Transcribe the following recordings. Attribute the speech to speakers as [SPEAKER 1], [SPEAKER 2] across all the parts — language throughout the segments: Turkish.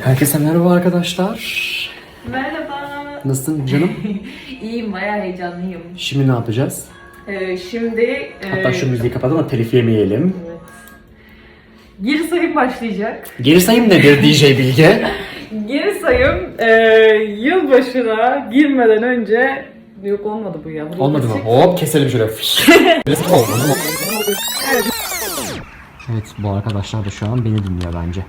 [SPEAKER 1] Herkese merhaba arkadaşlar.
[SPEAKER 2] Merhaba.
[SPEAKER 1] Nasılsın canım?
[SPEAKER 2] İyiyim, bayağı heyecanlıyım.
[SPEAKER 1] Şimdi ne yapacağız?
[SPEAKER 2] Şimdi...
[SPEAKER 1] Hatta şu müziği kapatalım da telif yemeyelim.
[SPEAKER 2] Evet. Geri sayım başlayacak.
[SPEAKER 1] Geri sayım nedir DJ Bilge?
[SPEAKER 2] Geri sayım yılbaşına girmeden önce... Yok olmadı bu ya.
[SPEAKER 1] Olmadı mı? Hop keselim şöyle. Evet bu arkadaşlar da şu an beni dinliyor bence.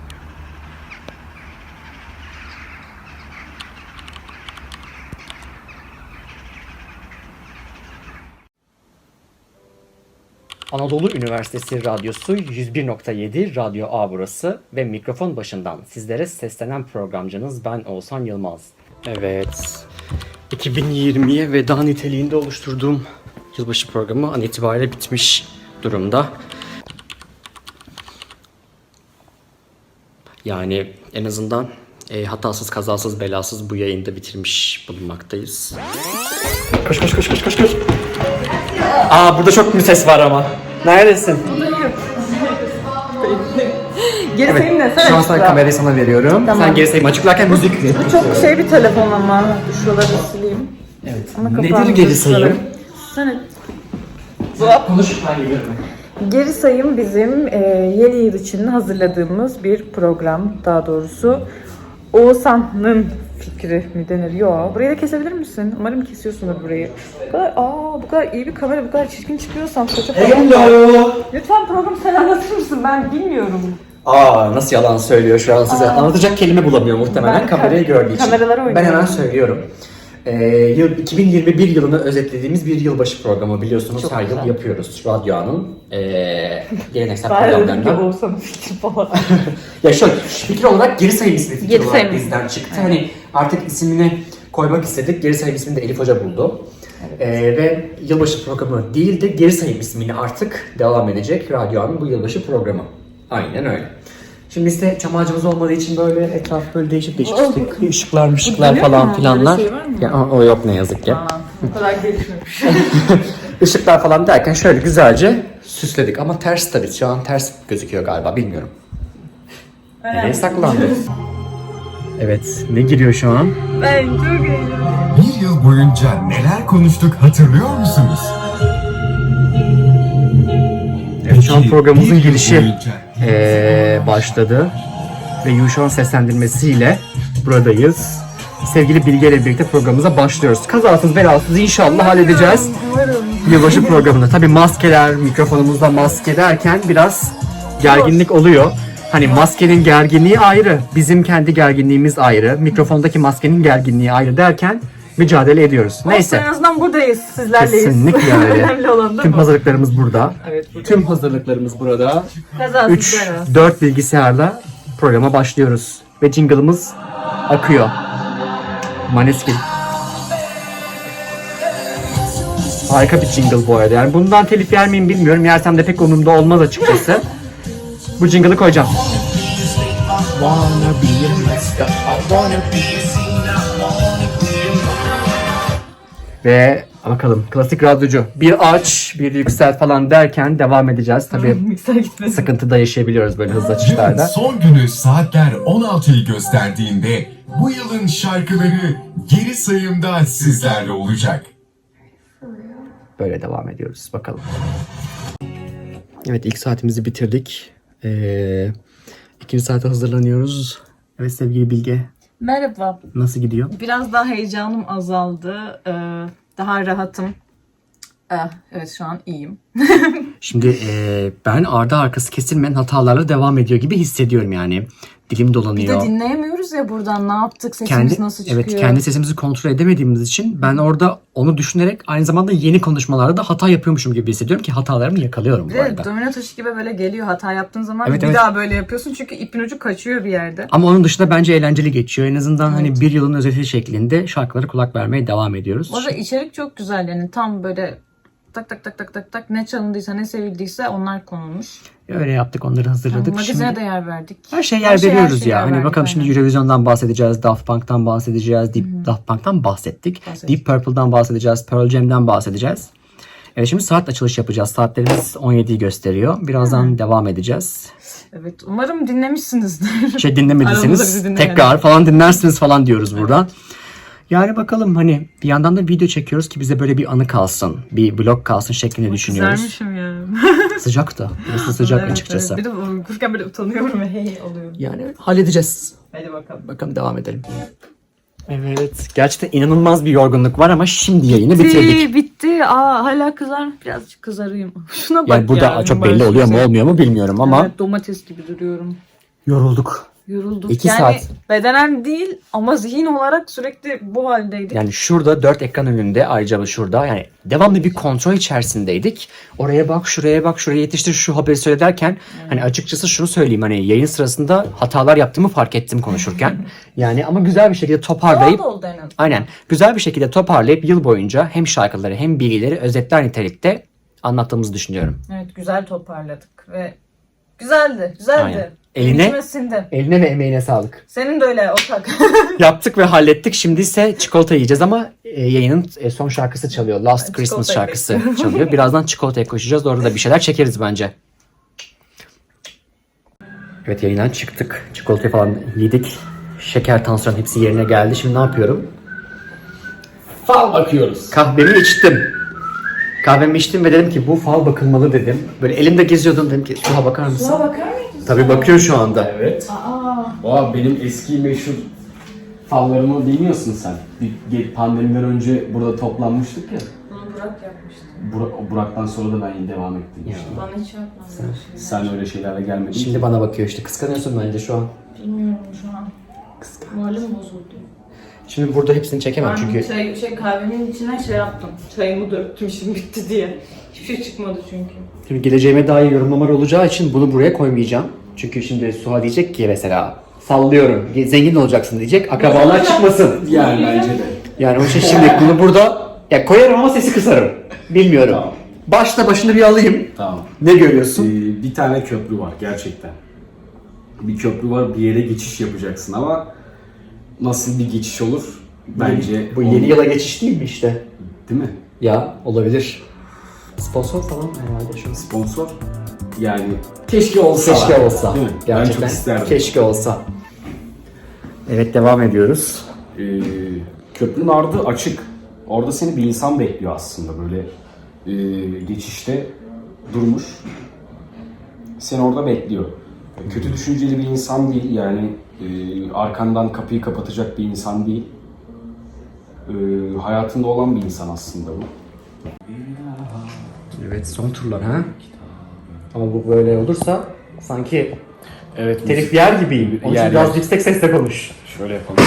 [SPEAKER 1] Anadolu Üniversitesi Radyosu 101.7 Radyo A burası ve mikrofon başından sizlere seslenen programcınız ben Oğuzhan Yılmaz. Evet, 2020'ye veda niteliğinde oluşturduğum yılbaşı programı an itibariyle bitmiş durumda. Yani en azından hatasız kazasız belasız bu yayında bitirmiş bulunmaktayız. Koş koş koş koş koş koş. Aa burada çok bir ses var ama. Neredesin?
[SPEAKER 2] Geri sayım ne?
[SPEAKER 1] Şu an sana kamerayı sana veriyorum.
[SPEAKER 2] Tamam.
[SPEAKER 1] Sen geri sayım açıklarken müzik ver.
[SPEAKER 2] Bu çok bir telefon ama. Şuraları sileyim.
[SPEAKER 1] Evet.
[SPEAKER 2] Ama
[SPEAKER 1] Nedir
[SPEAKER 2] kapağını
[SPEAKER 1] geri sayım?
[SPEAKER 2] Sen
[SPEAKER 1] Konuş ben geliyorum.
[SPEAKER 2] Geri sayım bizim yeni yıl için hazırladığımız bir program, daha doğrusu Oğuzhan'ın fikri mi denir? Yok. Burayı da kesebilir misin? Umarım kesiyorsundur burayı. Bu kadar iyi bir kamera, bu kadar çirkin çıkıyorsam saça falan.
[SPEAKER 1] Hello.
[SPEAKER 2] Lütfen programı sen anlatır mısın? Ben bilmiyorum.
[SPEAKER 1] Nasıl yalan söylüyor şu an size. Anlatacak kelime bulamıyor muhtemelen
[SPEAKER 2] Ben
[SPEAKER 1] kamerayı gördüğü için.
[SPEAKER 2] kameralara oynuyorum.
[SPEAKER 1] Ben hemen söylüyorum. 2021 yılını özetlediğimiz bir yılbaşı programı biliyorsunuz
[SPEAKER 2] Çok
[SPEAKER 1] her
[SPEAKER 2] güzel.
[SPEAKER 1] yıl yapıyoruz. Radyo A'nın geleneksel
[SPEAKER 2] Ben dedim ki
[SPEAKER 1] programlarından.
[SPEAKER 2] Oğuzhan'ın fikri falan.
[SPEAKER 1] Ya şöyle fikir olarak geri sayım ismi fikir
[SPEAKER 2] Geri
[SPEAKER 1] olarak
[SPEAKER 2] sayım.
[SPEAKER 1] bizden çıktı. Hani artık ismini koymak istedik. Geri sayım ismini de Elif Hoca buldu. Ve yılbaşı programı değil de geri sayım ismini artık devam edecek Radyo A'nın bu yılbaşı programı. Aynen öyle. Şimdi işte çam ağacımız olmadığı için böyle etraf böyle değişik ışıklar falan filanlar.
[SPEAKER 2] Böyle şey var mı?
[SPEAKER 1] Ya, o yok ne yazık ki.
[SPEAKER 2] Bu kadar gelişmemiş.
[SPEAKER 1] Işıklar falan derken şöyle güzelce süsledik ama ters tabii şu an ters gözüküyor galiba bilmiyorum. Nereye saklandı? Evet ne giriyor şu an?
[SPEAKER 2] Ben çok eğlendim.
[SPEAKER 3] Bir yıl boyunca neler konuştuk hatırlıyor musunuz?
[SPEAKER 1] Evet, şu an programımızın
[SPEAKER 3] Bir yıl
[SPEAKER 1] girişi
[SPEAKER 3] boyunca-
[SPEAKER 1] başladı ve Yuşan'ın seslendirmesiyle buradayız. Sevgili Bilge ile birlikte programımıza başlıyoruz. Kazasız belasız inşallah halledeceğiz yılbaşı programını. Tabii maskeler, mikrofonumuzda maske derken biraz gerginlik oluyor. Hani maskenin gerginliği ayrı, bizim kendi gerginliğimiz ayrı, mikrofondaki maskenin gerginliği ayrı derken mücadele ediyoruz. Neyse.
[SPEAKER 2] En azından buradayız, sizlerleyiz.
[SPEAKER 1] Kesinlikle öyle.
[SPEAKER 2] Önemli olan da
[SPEAKER 1] Tüm
[SPEAKER 2] bu.
[SPEAKER 1] hazırlıklarımız burada.
[SPEAKER 2] Evet, burada.
[SPEAKER 1] Tüm hazırlıklarımız burada.
[SPEAKER 2] Kazasız belasız.
[SPEAKER 1] 3-4 bilgisayarla programa başlıyoruz. Ve jingle'ımız akıyor. Maneskin. Harika bir jingle bu arada. Yani bundan telif yer miyim bilmiyorum. Yersem de pek umurumda olmaz açıkçası. Bu jingle'ı koyacağım. Ve bakalım klasik radyocu. Bir aç, bir yükselt falan derken devam edeceğiz. Tabii
[SPEAKER 2] Mikser gitmesin.
[SPEAKER 1] sıkıntı da yaşayabiliyoruz böyle hızlı açışlarda.
[SPEAKER 3] Son günü saatler 16'yı gösterdiğinde bu yılın şarkıları geri sayımda sizlerle olacak.
[SPEAKER 1] Böyle devam ediyoruz. Bakalım. Evet ilk saatimizi bitirdik. İkinci saate hazırlanıyoruz. Evet sevgili Bilge.
[SPEAKER 2] Merhaba.
[SPEAKER 1] Nasıl gidiyor?
[SPEAKER 2] Biraz daha heyecanım azaldı. Daha rahatım. Evet, şu an iyiyim.
[SPEAKER 1] Şimdi ben ardı arkası kesilmeyen hatalarla devam ediyor gibi hissediyorum yani. Dilim
[SPEAKER 2] Bir
[SPEAKER 1] dolanıyor.
[SPEAKER 2] de dinleyemiyoruz ya buradan. Ne yaptık? Sesimiz nasıl çıkıyor?
[SPEAKER 1] Evet kendi sesimizi kontrol edemediğimiz için ben orada onu düşünerek aynı zamanda yeni konuşmalarda da hata yapıyormuşum gibi hissediyorum ki hatalarımı yakalıyorum
[SPEAKER 2] Bir
[SPEAKER 1] bu
[SPEAKER 2] de
[SPEAKER 1] arada.
[SPEAKER 2] domino taşı gibi böyle geliyor. Hata yaptığın zaman
[SPEAKER 1] Evet,
[SPEAKER 2] bir
[SPEAKER 1] evet.
[SPEAKER 2] daha böyle yapıyorsun. Çünkü ipin ucu kaçıyor bir yerde.
[SPEAKER 1] Ama onun dışında bence eğlenceli geçiyor. En azından hani bir yılın özeti şeklinde şarkılara kulak vermeye devam ediyoruz.
[SPEAKER 2] Bu arada içerik çok güzel. Yani tam böyle tak tak tak tak tak tak ne çalındıysa ne sevildiyse onlar konulmuş.
[SPEAKER 1] Öyle yaptık, onları hazırladık.
[SPEAKER 2] Magazine
[SPEAKER 1] Şimdi
[SPEAKER 2] de yer verdik.
[SPEAKER 1] her şeye yer veriyoruz
[SPEAKER 2] şeye
[SPEAKER 1] ya.
[SPEAKER 2] yer
[SPEAKER 1] Hani
[SPEAKER 2] verdik,
[SPEAKER 1] bakalım
[SPEAKER 2] aynen.
[SPEAKER 1] şimdi Eurovision'dan bahsedeceğiz, Daft Punk'tan bahsedeceğiz, Daft Punk'tan bahsettik. Deep Purple'dan bahsedeceğiz, Pearl Jam'den bahsedeceğiz. Evet şimdi saat açılış yapacağız. Saatlerimiz 17'yi gösteriyor. Birazdan devam edeceğiz.
[SPEAKER 2] Evet. Umarım dinlemişsinizdir.
[SPEAKER 1] Şey
[SPEAKER 2] Aramızda
[SPEAKER 1] dinlemediyseniz
[SPEAKER 2] bizi dinleyen.
[SPEAKER 1] tekrar falan dinlersiniz falan diyoruz buradan. Yani bakalım hani bir yandan da video çekiyoruz ki bize böyle bir anı kalsın. Bir vlog kalsın şeklinde düşünüyoruz.
[SPEAKER 2] Kızarmışım ya.
[SPEAKER 1] Sıcak da. Burası sıcak
[SPEAKER 2] Evet,
[SPEAKER 1] açıkçası.
[SPEAKER 2] evet. Bir de okurken böyle utanıyorum ve hey oluyorum.
[SPEAKER 1] Yani halledeceğiz.
[SPEAKER 2] Hadi bakalım.
[SPEAKER 1] Bakalım devam edelim. Evet. Gerçekten inanılmaz bir yorgunluk var ama şimdi yayını bitirdik.
[SPEAKER 2] Bitti. Hala birazcık kızarayım. Şuna bak
[SPEAKER 1] Yani burada
[SPEAKER 2] ya,
[SPEAKER 1] çok belli oluyor mu olmuyor mu bilmiyorum ama
[SPEAKER 2] Evet, domates gibi duruyorum.
[SPEAKER 1] yorulduk.
[SPEAKER 2] Yorulduk.
[SPEAKER 1] 2
[SPEAKER 2] yani
[SPEAKER 1] saat.
[SPEAKER 2] bedenen değil ama zihin olarak sürekli bu haldeydik.
[SPEAKER 1] Yani şurada 4 ekran önünde ayrıca şurada yani devamlı bir kontrol içerisindeydik. Oraya bak, şuraya bak, şuraya yetiştir, şu haberi söyle derken hani açıkçası şunu söyleyeyim hani yayın sırasında hatalar yaptığımı fark ettim konuşurken. Yani ama güzel bir şekilde toparlayıp
[SPEAKER 2] Doğal oldu en azından.
[SPEAKER 1] aynen güzel bir şekilde toparlayıp yıl boyunca hem şarkıları hem bilgileri özetler nitelikte anlattığımızı düşünüyorum.
[SPEAKER 2] Evet, güzel toparladık ve güzeldi. Güzeldi.
[SPEAKER 1] Aynen. Eline-
[SPEAKER 2] İçime sindi.
[SPEAKER 1] Eline ve emeğine sağlık.
[SPEAKER 2] Senin de öyle ortak.
[SPEAKER 1] Yaptık ve hallettik. Şimdi ise çikolata yiyeceğiz ama yayının son şarkısı çalıyor. Last Christmas
[SPEAKER 2] Çikolatayı
[SPEAKER 1] şarkısı çalıyor. Birazdan çikolataya koşacağız. Orada da bir şeyler çekeriz bence. Evet yayından çıktık. Çikolatayı falan yedik. Şeker, tansiyon hepsi yerine geldi. Şimdi ne yapıyorum?
[SPEAKER 4] Fal bakıyoruz.
[SPEAKER 1] Kahvemi içtim. Kahvemi içtim ve dedim ki bu fal bakılmalı dedim. Böyle elimde geziyordum dedim ki Suha bakar mısın?
[SPEAKER 2] Suha bakar mıydın?
[SPEAKER 1] Tabii bakıyor şu anda.
[SPEAKER 4] Evet. Benim eski meşhur fallarımı bilmiyorsun sen. Pandemiden önce burada toplanmıştık ya.
[SPEAKER 2] Bunu Burak yapmıştı.
[SPEAKER 4] Burak'tan sonra da ben devam ettim işte.
[SPEAKER 2] Bana hiç yapmadı.
[SPEAKER 4] Sen öyle şeylerle gelmedin.
[SPEAKER 1] Şimdi bana bakıyor işte. Kıskanıyorsun bence şu an.
[SPEAKER 2] Bilmiyorum şu an. Moralim bozuldu.
[SPEAKER 1] Şimdi burada hepsini çekemem
[SPEAKER 2] Ben
[SPEAKER 1] çünkü
[SPEAKER 2] kahvenin içine yaptım. Çayımı döktüm işim bitti diye. Hiçbir şey çıkmadı çünkü.
[SPEAKER 1] şimdi geleceğime dair yorumlamalar olacağı için bunu buraya koymayacağım. Çünkü şimdi Suha diyecek ki mesela sallıyorum zengin olacaksın diyecek akrabalar çıkmasın.
[SPEAKER 4] Yani bence de.
[SPEAKER 1] Yani o şey şimdi bunu burada ya koyarım ama sesi kısarım. Bilmiyorum.
[SPEAKER 4] Tamam.
[SPEAKER 1] Başını bir alayım.
[SPEAKER 4] Tamam.
[SPEAKER 1] Ne görüyorsun?
[SPEAKER 4] Bir tane köprü var gerçekten. Bir köprü var, bir yere geçiş yapacaksın ama nasıl bir geçiş olur? Bence
[SPEAKER 1] Bu yeni yıla geçiş değil mi işte?
[SPEAKER 4] değil mi?
[SPEAKER 1] Ya olabilir. Sponsor falan herhalde şu an.
[SPEAKER 4] Sponsor. Yani keşke olsa.
[SPEAKER 1] Keşke olsa.
[SPEAKER 4] Değil mi?
[SPEAKER 1] Gerçekten
[SPEAKER 4] Ben çok isterdim.
[SPEAKER 1] keşke olsa. Evet devam ediyoruz.
[SPEAKER 4] Köprünün ardı açık. Orada seni bir insan bekliyor aslında böyle geçişte durmuş. Seni orada bekliyor. Kötü düşünceli bir insan değil yani arkandan kapıyı kapatacak bir insan değil. Hayatında olan bir insan aslında bu.
[SPEAKER 1] Evet son turlar ha. Ama bu böyle olursa sanki
[SPEAKER 4] Evet.
[SPEAKER 1] telif yer gibiyim. Onun için
[SPEAKER 4] Yer,
[SPEAKER 1] biraz
[SPEAKER 4] yer.
[SPEAKER 1] yüksek sesle konuş.
[SPEAKER 4] Şöyle yapalım.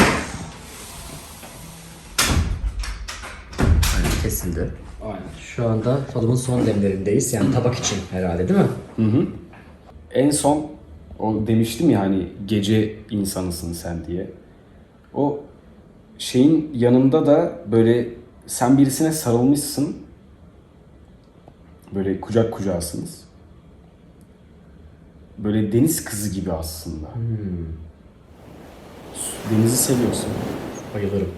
[SPEAKER 1] Kesildi.
[SPEAKER 4] Aynen.
[SPEAKER 1] Şu anda falımın son demlerindeyiz. Yani tabak için herhalde değil mi?
[SPEAKER 4] En son o demiştim ya hani gece insanısın sen diye. O şeyin yanında da böyle sen birisine sarılmışsın. Böyle kucak kucağısınız. Böyle deniz kızı gibi aslında. Denizi seviyorsun.
[SPEAKER 1] Bayılırım.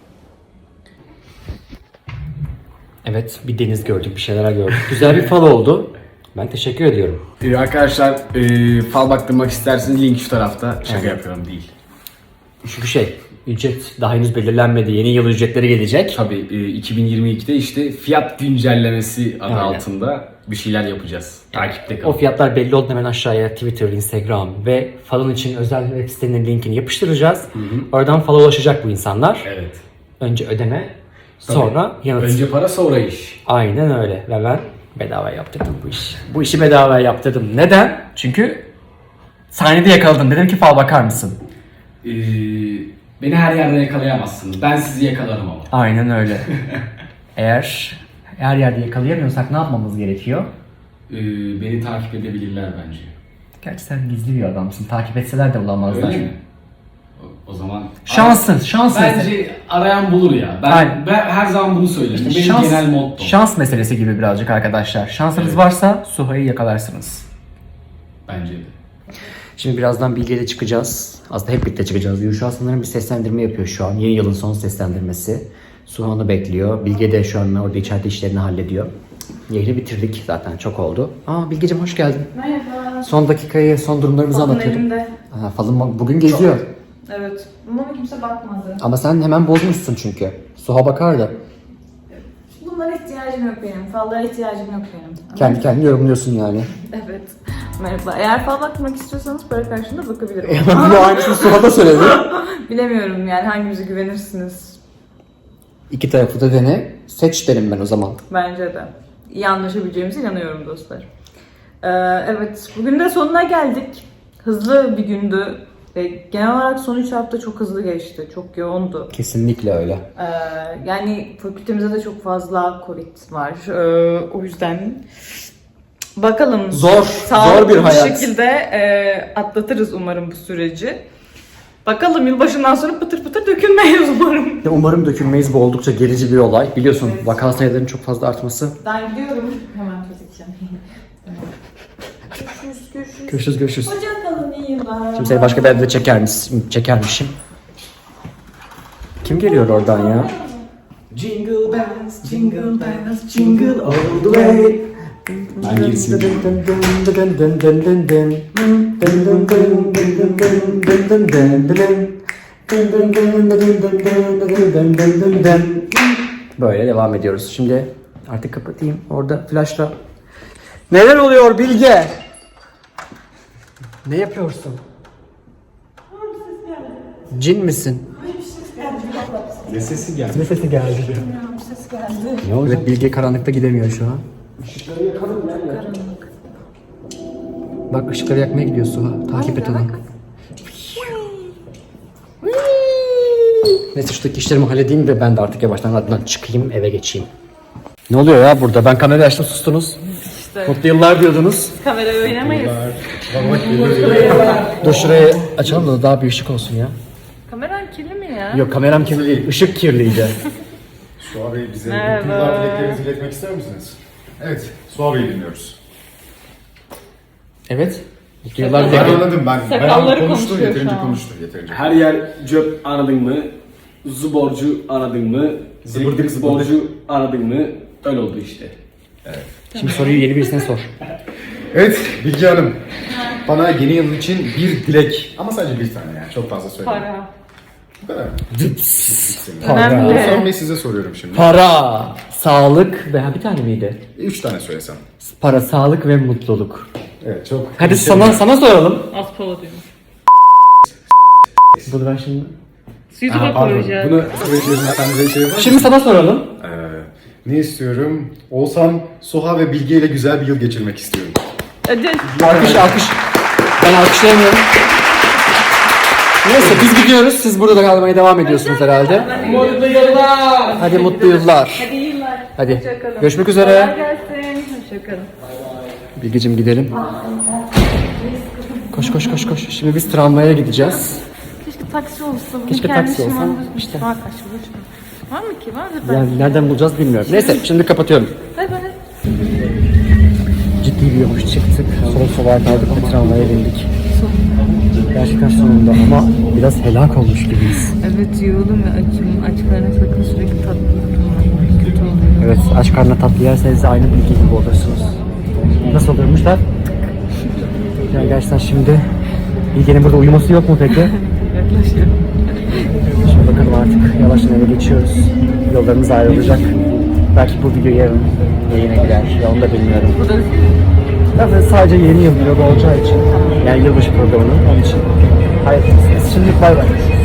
[SPEAKER 1] Evet bir deniz gördük, bir şeyler gördük. Güzel bir fal oldu. Ben teşekkür ediyorum.
[SPEAKER 4] Arkadaşlar fal baktırmak isterseniz link şu tarafta. Şaka yapıyorum değil.
[SPEAKER 1] Çünkü ücret daha henüz belirlenmedi. Yeni yıl ücretleri gelecek.
[SPEAKER 4] Tabii 2022'de işte fiyat güncellemesi adı
[SPEAKER 1] Aynen.
[SPEAKER 4] altında bir şeyler yapacağız. Takipte kalın.
[SPEAKER 1] O fiyatlar belli oldu hemen aşağıya Twitter, Instagram ve falın için özel web sitenin linkini yapıştıracağız. Oradan fala ulaşacak bu insanlar.
[SPEAKER 4] Evet.
[SPEAKER 1] Önce ödeme, sonra yanıt.
[SPEAKER 4] Önce para sonra iş.
[SPEAKER 1] Aynen öyle ve ben bedava yaptırdım bu işi. Bu işi bedava yaptırdım. Neden? Çünkü sahnede yakaladım. Dedim ki fal bakar mısın?
[SPEAKER 4] Beni her yerde yakalayamazsınız. Ben sizi yakalarım ama.
[SPEAKER 1] Aynen öyle. Eğer her yerde yakalayamıyorsak ne yapmamız gerekiyor?
[SPEAKER 4] Beni takip edebilirler bence.
[SPEAKER 1] Gerçi sen gizli bir adamsın. Takip etseler de bulamazlar.
[SPEAKER 4] Öyle mi? O zaman...
[SPEAKER 1] Şans meselesi.
[SPEAKER 4] Bence arayan bulur ya.
[SPEAKER 1] Aynen.
[SPEAKER 4] Ben her zaman bunu söylerim. Benim genel mottom.
[SPEAKER 1] Şans meselesi gibi birazcık arkadaşlar. Şansınız
[SPEAKER 4] Evet.
[SPEAKER 1] varsa Suha'yı yakalarsınız.
[SPEAKER 4] Bence de.
[SPEAKER 1] Şimdi birazdan Bilge'yle çıkacağız. Aslında hep birlikte çıkacağız. Yuşa sanırım bir seslendirme yapıyor şu an. Yeni yılın son seslendirmesi. Suha onu bekliyor. Bilge de şu an orada içeride işlerini hallediyor. Yayını bitirdik zaten çok oldu. Bilgeciğim hoş geldin.
[SPEAKER 2] Merhaba.
[SPEAKER 1] Son dakikayı, son durumlarımızı
[SPEAKER 2] Falın
[SPEAKER 1] anlatıyordum.
[SPEAKER 2] elimde.
[SPEAKER 1] Ha, falın bugün geziyor.
[SPEAKER 2] Evet. Bana kimse bakmadı.
[SPEAKER 1] Ama sen hemen bozmuşsun çünkü. Suha bakardı.
[SPEAKER 2] Bunlara ihtiyacım yok benim. Fallara ihtiyacım yok benim.
[SPEAKER 1] Kendi kendini yorumluyorsun yani.
[SPEAKER 2] Evet. Merhaba. Eğer fal bakmak istiyorsanız para karşılığında bakabilirim.
[SPEAKER 1] Bu aynısını Suha da söyledi.
[SPEAKER 2] Bilemiyorum yani hangimize güvenirsiniz.
[SPEAKER 1] İki tarafı da dene. Seç derim ben o zaman.
[SPEAKER 2] Bence de. İyi anlaşabileceğimize inanıyorum dostlar. Evet. Bugün de sonuna geldik. Hızlı bir gündü. Ve genel olarak son 3 hafta çok hızlı geçti. Çok yoğundu.
[SPEAKER 1] Kesinlikle öyle.
[SPEAKER 2] Yani fakültemizde de çok fazla Covid var. O yüzden bakalım.
[SPEAKER 1] Zor
[SPEAKER 2] Sağlıklı
[SPEAKER 1] bir hayat.
[SPEAKER 2] şekilde atlatırız umarım bu süreci. Bakalım yılbaşından sonra pıtır pıtır dökülmeyiz umarım.
[SPEAKER 1] Ya umarım dökülmeyiz. Bu oldukça gerici bir olay. Biliyorsun vaka sayılarının çok fazla artması.
[SPEAKER 2] Ben gidiyorum. Hemen çözeceğim.
[SPEAKER 1] Görüşürüz görüşürüz.
[SPEAKER 2] Hoşçakalın, iyi yıllar.
[SPEAKER 1] Şimdi seni başka bir yerde de çekermişim. Kim geliyor oradan ya?
[SPEAKER 4] Jingle bells, jingle bells, jingle all the way. Ben gerisini
[SPEAKER 1] Böyle devam ediyoruz. Şimdi artık kapatayım. Orada flashla. Neler oluyor Bilge? Ne yapıyorsun? Cin misin?
[SPEAKER 4] Ne sesi geldi?
[SPEAKER 1] Ne sesi geldi? Ne oldu? Evet, Bilge karanlıkta gidemiyor şu an. Bak ışıkları yakmaya gidiyor Suha. Takip et onu. Neyse şuradaki işlerimi halledeyim de ben de artık yavaştan radyodan çıkayım eve geçeyim. Ne oluyor ya burada? Ben kamerayı açtım sustunuz.
[SPEAKER 2] İşte
[SPEAKER 1] Mutlu yıllar diyordunuz.
[SPEAKER 2] kamerayı oynamayız.
[SPEAKER 1] Dur şurayı açalım da daha bir ışık olsun ya.
[SPEAKER 2] Kameran kirli mi ya?
[SPEAKER 1] Yok kameram kirli değil. Işık kirliydi.
[SPEAKER 5] Suha Bey bize
[SPEAKER 2] Merhaba.
[SPEAKER 5] mutlu yıllar dileklerinizi iletmek ister misiniz? Evet, Suha Bey'i dinliyoruz.
[SPEAKER 1] Evet. Mutlu yıllar
[SPEAKER 5] Ben
[SPEAKER 1] dilerim.
[SPEAKER 5] anladım ben.
[SPEAKER 2] Sakalları
[SPEAKER 5] Ben konuştu,
[SPEAKER 2] konuşuyor
[SPEAKER 5] yeterince
[SPEAKER 2] şu an.
[SPEAKER 5] konuştu, yeterince.
[SPEAKER 4] Her yer cöp aradın mı? Zuborcu aradın mı? Zıbırdık zıborcu aradın mı? Öyle oldu işte.
[SPEAKER 1] Şimdi soruyu yeni birisine sor.
[SPEAKER 5] Evet, Bilge Hanım. Bana yeni yıl için bir dilek. Ama sadece bir tane yani, çok fazla söyleyeyim.
[SPEAKER 2] Para.
[SPEAKER 5] Bu kadar.
[SPEAKER 2] Önemli.
[SPEAKER 5] Oğuzhan Bey size soruyorum şimdi.
[SPEAKER 1] Para, sağlık ve bir tane miydi?
[SPEAKER 5] 3 tane söylesem.
[SPEAKER 1] Para, sağlık ve mutluluk.
[SPEAKER 5] Evet, çok...
[SPEAKER 1] Hadi sana soralım.
[SPEAKER 2] Az pala diyormuş.
[SPEAKER 1] Bunu ben şimdi...
[SPEAKER 2] YouTube'a koyacağız.
[SPEAKER 5] Bunu söyleyeceğim, şey var mı?
[SPEAKER 1] Şimdi sana soralım.
[SPEAKER 5] Ne istiyorum? Oğuzhan, Suha ve Bilge ile güzel bir yıl geçirmek istiyorum.
[SPEAKER 2] Hadi.
[SPEAKER 1] Alkış. Ben alkışlayamıyorum. Neyse biz gidiyoruz. Siz burada kalmaya devam ediyorsunuz herhalde.
[SPEAKER 2] Mutlu yıllar.
[SPEAKER 1] Hadi mutlu yıllar.
[SPEAKER 2] Hadi iyi yıllar.
[SPEAKER 1] Hadi.
[SPEAKER 2] Hoşçakalın.
[SPEAKER 1] Görüşmek
[SPEAKER 2] Kolay
[SPEAKER 1] üzere.
[SPEAKER 2] gelsin. Hoşçakalın.
[SPEAKER 1] Bilgeciğim gidelim. Koş. Şimdi biz tramvaya gideceğiz.
[SPEAKER 2] Keşke taksi olsun.
[SPEAKER 1] Keşke taksi olsa. İşte.
[SPEAKER 2] Var kaç buluşma. Var mı ki? Vardır belki.
[SPEAKER 1] Yani nereden bulacağız bilmiyorum. Neyse şimdi kapatıyorum.
[SPEAKER 2] Bay bay.
[SPEAKER 1] Ciddi bir yokuş çıktık. Sola kaldık ve tramvaya bindik. Gerçekten sonunda ama biraz helak olmuş gibiyiz.
[SPEAKER 2] Evet yoğurdum ve açım. Açlarına sakın sürekli tatlı tutmayın. Kötü oluyor.
[SPEAKER 1] Evet aç karnına tatlı yerseniz de aynı bilgi gibi olursunuz. Nasıl oluyormuşlar? Yani gerçekten şimdi Bilge'nin burada uyuması yok mu peki?
[SPEAKER 2] Yaklaşıyor.
[SPEAKER 1] Şimdi bakalım artık yavaştan eve geçiyoruz. Yollarımız ayrılacak. Belki bu video yarın yayına girer. Ya onu da bilmiyorum.
[SPEAKER 2] Bu da
[SPEAKER 1] Zaten sadece yeni yıl vlogu olacağı için. Yani yılbaşı programının onun için. Hayır. Şimdilik bay bay.